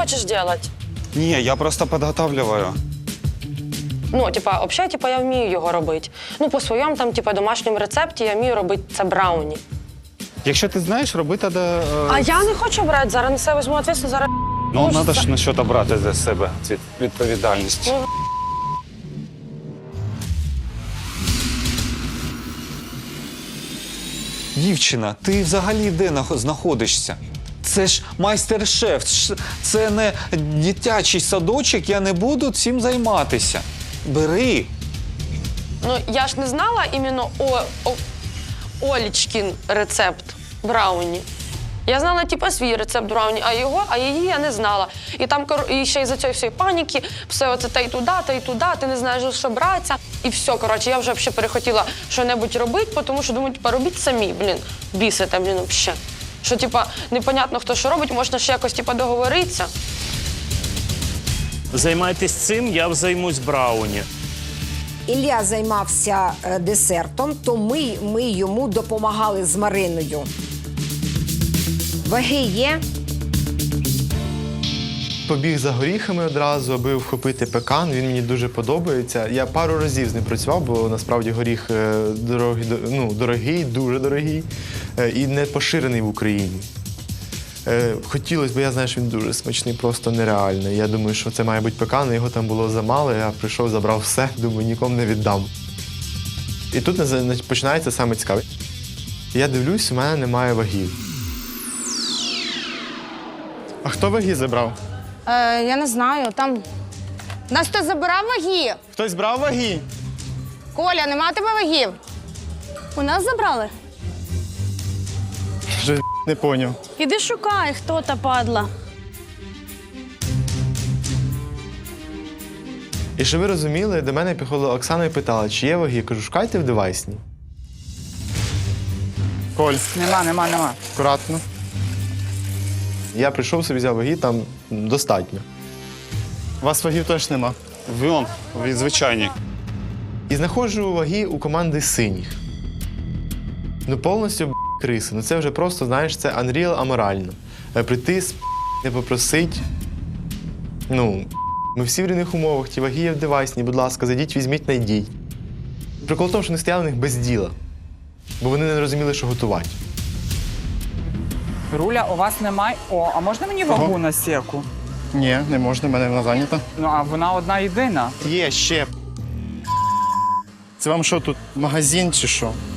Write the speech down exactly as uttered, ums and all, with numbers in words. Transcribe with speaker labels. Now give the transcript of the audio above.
Speaker 1: хочеш робити?
Speaker 2: Ні, я просто підготовлюю.
Speaker 1: Ну, типа, взагалі, типа, я вмію його робити. Ну, по своєму там, типа, домашньому рецепті я вмію робити це брауні.
Speaker 2: Якщо ти знаєш, роби тоді... Е...
Speaker 1: А я не хочу брати, зараз на себе візьму відповідальність, зараз...
Speaker 2: Ну, треба ж на щось брати за себе цю відповідальність.
Speaker 1: Ну,
Speaker 3: Дівчина, ти взагалі де нах- знаходишся? Це ж майстер-шеф, ш- це не дитячий садочок, я не буду цим займатися. Бери.
Speaker 1: Ну, я ж не знала іменно о, о, Олічкін рецепт брауні. Я знала, типу, свій рецепт брауні, а його, а її я не знала. І там, і ще із-за цієї всієї паніки, все оце та й туди, та й туди, ти не знаєш, що братися. І все, коротше, я вже взагалі перехотіла що-небудь робити, тому що думаю, типу, робіть самі, блін, бісите, блін, взагалі. Що, типу, непонятно, хто що робить, можна ще якось, типу, договоритися.
Speaker 4: Займайтесь цим, я займусь брауні.
Speaker 5: Ілля займався е, десертом, то ми, ми йому допомагали з Мариною. Ваги є?
Speaker 6: Побіг за горіхами одразу, аби вхопити пекан. Він мені дуже подобається. Я пару разів з ним працював, бо насправді горіх е, дорогий, ну, дорогий, дуже дорогий е, і не поширений в Україні. Е, Хотілося, бо я знаю, що він дуже смачний, просто нереальний. Я думаю, що це має бути пекан, його там було замало, я прийшов, забрав все, думаю, нікому не віддам. І тут починається саме цікаве. Я дивлюсь, у мене немає вагів.
Speaker 7: А хто ваги забрав?
Speaker 8: Е, я не знаю, там. Нас хтось забирав ваги?
Speaker 7: Хтось брав ваги?
Speaker 8: Коля, нема у тебе вагів? У нас забрали.
Speaker 7: Вже не поняв.
Speaker 8: Іди шукай, хто та падла.
Speaker 6: І щоб ви розуміли, до мене підходила Оксана і питала, чи є ваги. Я кажу, шукайте в девайсні.
Speaker 7: Коль,
Speaker 9: Нема, нема, нема.
Speaker 7: акуратно.
Speaker 6: Я прийшов собі, взяв ваги, там достатньо.
Speaker 7: У вас вагів теж нема.
Speaker 2: Вон, він звичайний.
Speaker 6: І знаходжу ваги у команди синіх. Ну, повністю б**, криси. Ну, це вже просто, знаєш, це Unreal аморально. Е, Прийти, сп**, не попросить. Ну, ми всі в рівних умовах, ті ваги є в девайсні, будь ласка, зайдіть, візьміть, найдіть. Прикол в тому, що не стояли в них без діла, бо вони не розуміли, що готувати.
Speaker 9: Руля, у вас немає. О, а можна мені вагу на сірку?
Speaker 7: Ні, не можна, в мене вона зайнята.
Speaker 9: Ну, а вона одна єдина.
Speaker 7: Є ще. Це вам що тут, магазин чи що?